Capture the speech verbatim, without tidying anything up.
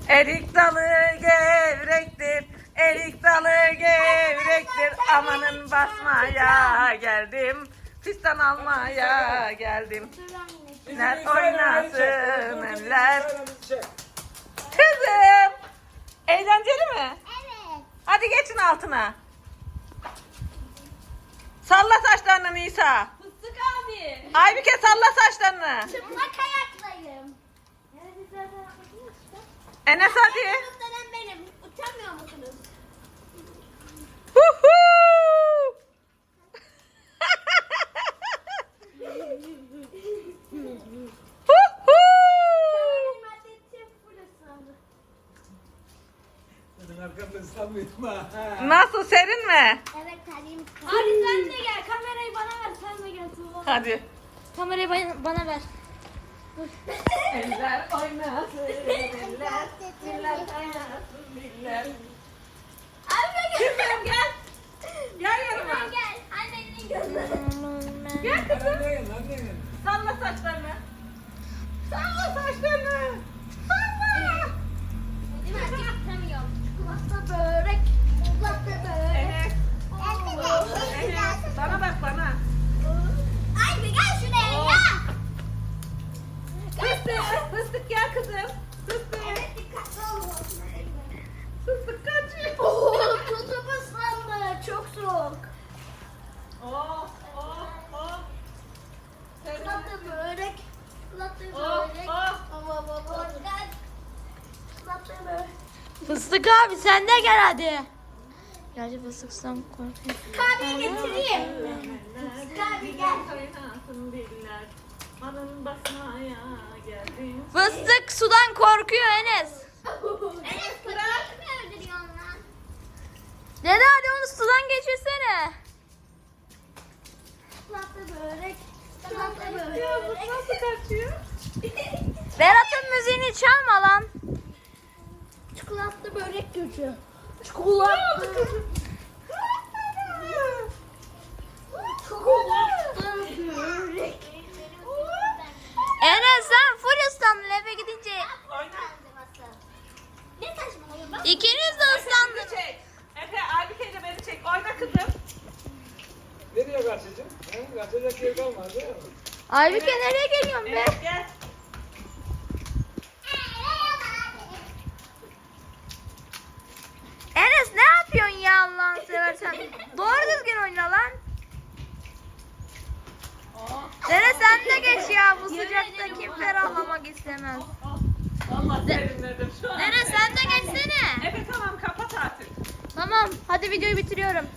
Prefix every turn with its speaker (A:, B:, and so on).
A: Erik dalı gevrektir, erik dalı gevrektir. Amanın basmaya geldim, fistan almaya geldim. Eller oynasın eller. Kızım, eğlenceli mi?
B: Evet.
A: Hadi geçin altına. Salla saçlarını Nisa.
C: Fıstık abi.
A: Aybüke salla saçlarını.
B: Çıplak ayaktayım.
A: Enes hadi.
B: Utanın benim. Utanmıyor musunuz?
A: Huhu. Huhu.
B: Benim adetçim full ıslandı.
D: Benim arkamda ıslanmıyorum ha.
A: Nasıl, serin mi?
B: Evet terliğim ıslandı.
C: Abi sen de gel. Kamerayı bana ver. Sen de gel Tuğba.
A: Hadi.
C: Kamerayı bana, bana ver.
A: Eller oynasın eller, eller oynasın eller.
B: Abi
A: Kızım gel. Gel yanıma.
B: gel. Annenin gözü.
A: Gel kızım.
D: Hadi gel, hadi gel.
A: Salla saçlarını. Salla saçlarını. Salla.
B: Benim artık tutamıyorum. Kulakta börek. Kulakta börek.
A: Enes. Enes. Bana bak bana.
B: Ay bir gel şuraya ya.
A: Fıstık. Fıstık gel kızım. Fıstık.
B: Evet dikkatli olun.
A: Fıstık kaçıyor.
B: Oo, tutup ıslandı. Çok soğuk.
A: Oh oh oh.
B: Kulakta börek. Kulakta
A: Oh
B: börek.
A: oh.
B: Baba baba. Gel. Kulakta börek.
C: Fıstık abi sen de gel hadi. Gerçi fıstıktan korkuyorum.
B: Kahveyi getireyim. Kahve gel.
A: Oynasın diller. Anın basmaya geldim.
C: Fıstık sudan korkuyor Enes.
B: Enes köpek mi öldürüyorsun lan?
C: Dede hadi onu sudan geçirsene.
B: Kulakta börek. Kulakta
A: Ya bu
B: börek.
A: nasıl kaçıyor?
C: Berat'ın müziğini çalma lan.
B: Çikolata börek gücü.
A: Çikolata kızım.
B: Çikolata börek.
C: Enes sen full ıslandın eve gidince.
B: Ne saçmalıyorsun? Bak.
C: İkiniz de
A: Beni
C: ıslandınız.
A: çek. Efe, Aybüke ile beni çek. Oyna kızım.
D: Nereye kaçacaksın? He? Kaçacak yer kalmadı değil mi?
C: Aybüke nereye geliyorsun be?
A: Evet gel.
C: Enes ne yapıyorsun ya Allah'ını seversen? Doğru düzgün oyna lan.
A: Oh,
C: Enes sen de geç ya bu sıcakta kim ferahlamak istemez.
A: oh. Vallahi serinledim şu an.
C: Enes sen de geçsene.
A: Efe tamam kapat artık.
C: Tamam hadi videoyu bitiriyorum.